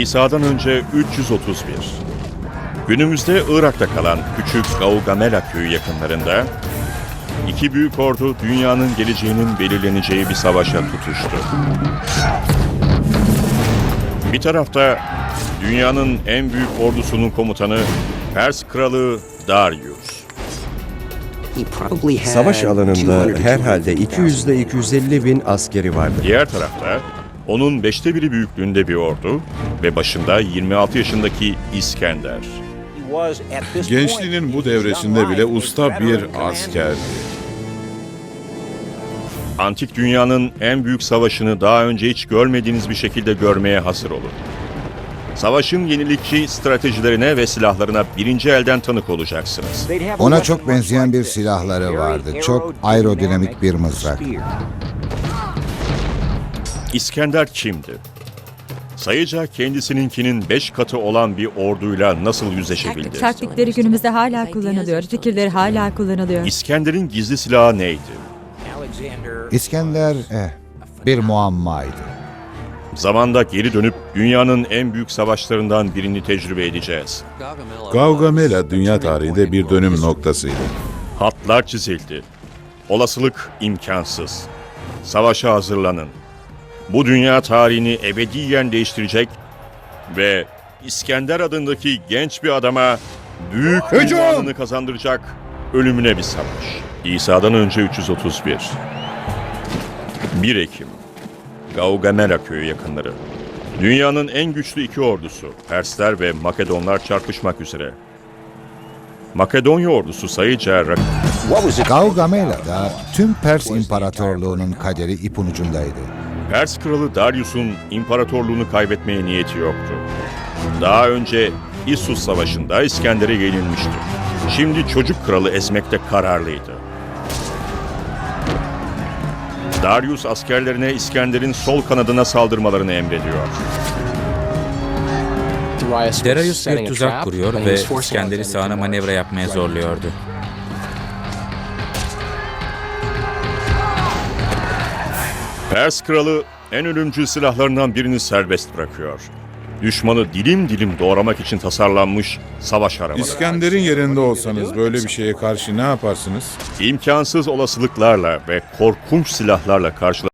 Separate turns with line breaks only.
İsa'dan önce 331. Günümüzde Irak'ta kalan küçük Gaugamela köyü yakınlarında iki büyük ordu dünyanın geleceğinin belirleneceği bir savaşa tutuştu. Bir tarafta dünyanın en büyük ordusunun komutanı Pers kralı Darius.
Savaş alanında herhalde 200 ile 250 bin askeri vardı.
Diğer tarafta onun 5'te 1'i büyüklüğünde bir ordu ve başında 26 yaşındaki İskender.
Gençliğinin bu devresinde bile usta bir askerdi.
Antik dünyanın en büyük savaşını daha önce hiç görmediğiniz bir şekilde görmeye hazır olun. Savaşın yenilikçi stratejilerine ve silahlarına birinci elden tanık olacaksınız.
Ona çok benzeyen bir silahları vardı. Çok aerodinamik bir mızrak.
İskender kimdi? Sayıca kendisininkinin 5 katı olan bir orduyla nasıl yüzleşebildi?
Taktikleri günümüzde hala kullanılıyor. Fikirleri hala kullanılıyor.
İskender'in gizli silahı neydi?
İskender bir muammaydı.
Zamanda geri dönüp dünyanın en büyük savaşlarından birini tecrübe edeceğiz.
Gaugamela dünya tarihinde bir dönüm noktasıydı.
Hatlar çizildi. Olasılık imkansız. Savaşa hazırlanın. Bu dünya tarihini ebediyen değiştirecek ve İskender adındaki genç bir adama büyük ünvanını kazandıracak ölümüne bir savaş. İsa'dan önce 331. 1 Ekim. Gaugamela köyü yakınları. Dünyanın en güçlü iki ordusu, Persler ve Makedonlar çarpışmak üzere. Makedonya ordusu sayıca
Gaugamela'da tüm Pers İmparatorluğu'nun kaderi ipin ucundaydı.
Pers kralı Darius'un imparatorluğunu kaybetmeye niyeti yoktu. Daha önce İssus Savaşı'nda İskender'e yenilmişti. Şimdi çocuk kralı ezmekte kararlıydı. Darius askerlerine İskender'in sol kanadına saldırmalarını emrediyor.
Darius bir tuzak kuruyor ve İskender'i sağına manevra yapmaya zorluyordu.
Pers kralı en ölümcül silahlarından birini serbest bırakıyor. Düşmanı dilim dilim doğramak için tasarlanmış savaş arabaları.
İskender'in yerinde olsanız böyle bir şeye karşı ne yaparsınız?
İmkansız olasılıklarla ve korkunç silahlarla karşılaşıyor.